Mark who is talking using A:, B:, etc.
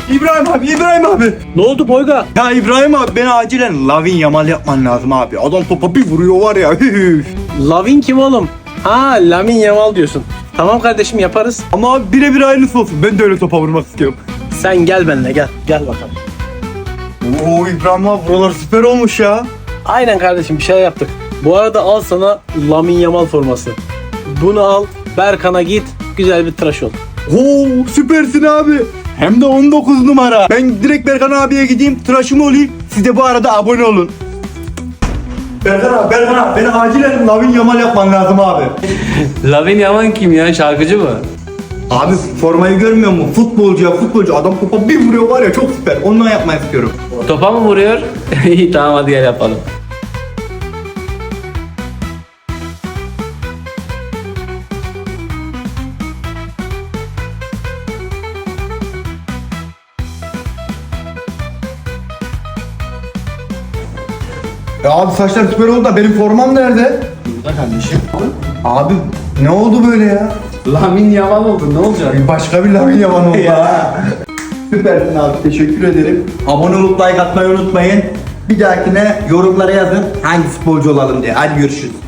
A: İbrahim abi.
B: Ne oldu Boyga?
A: Ya İbrahim abi beni acilen Lavin Yamal yapman lazım abi. Adam topa bir vuruyor var ya.
B: Lavin kim oğlum? Ha, Lamine Yamal diyorsun. Tamam kardeşim, yaparız.
A: Ama abi birebir aynısı olsun. Ben de öyle topa vurmak istiyorum.
B: Sen gel benimle, gel. Gel bakalım.
A: Oo İbrahim abi buralar süper olmuş ya.
B: Aynen kardeşim, bir şeyler yaptık. Bu arada al sana Lamine Yamal forması. Bunu al, Berkan'a git, güzel bir tıraş ol.
A: Oo süpersin abi. Hem de 19 numara. Ben direkt Berkan abiye gideyim, tıraşımı olayım. Siz de bu arada abone olun. Berkan abi beni acilen Lavin Yamal yapman lazım abi.
C: Lavin Yaman kim ya? Şarkıcı mı?
A: Abi formayı görmüyor musun? Futbolcu. Adam topa bir vuruyor var ya, çok süper. Ondan yapmayı istiyorum.
C: Topa mı vuruyor? İyi, tamam, hadi gel yapalım.
A: Ya abi saçlar süper oldu da benim formam nerede?
C: Burada kardeşim.
A: Abi ne oldu böyle ya?
C: Lavin Yaman oldu, ne olacak?
A: Başka bir Lavin Yaman oldu ha. Süpersin abi, teşekkür ederim. Abone olup like atmayı unutmayın. Bir dahakine yorumlara yazın hangi futbolcu olalım diye. Hadi görüşürüz.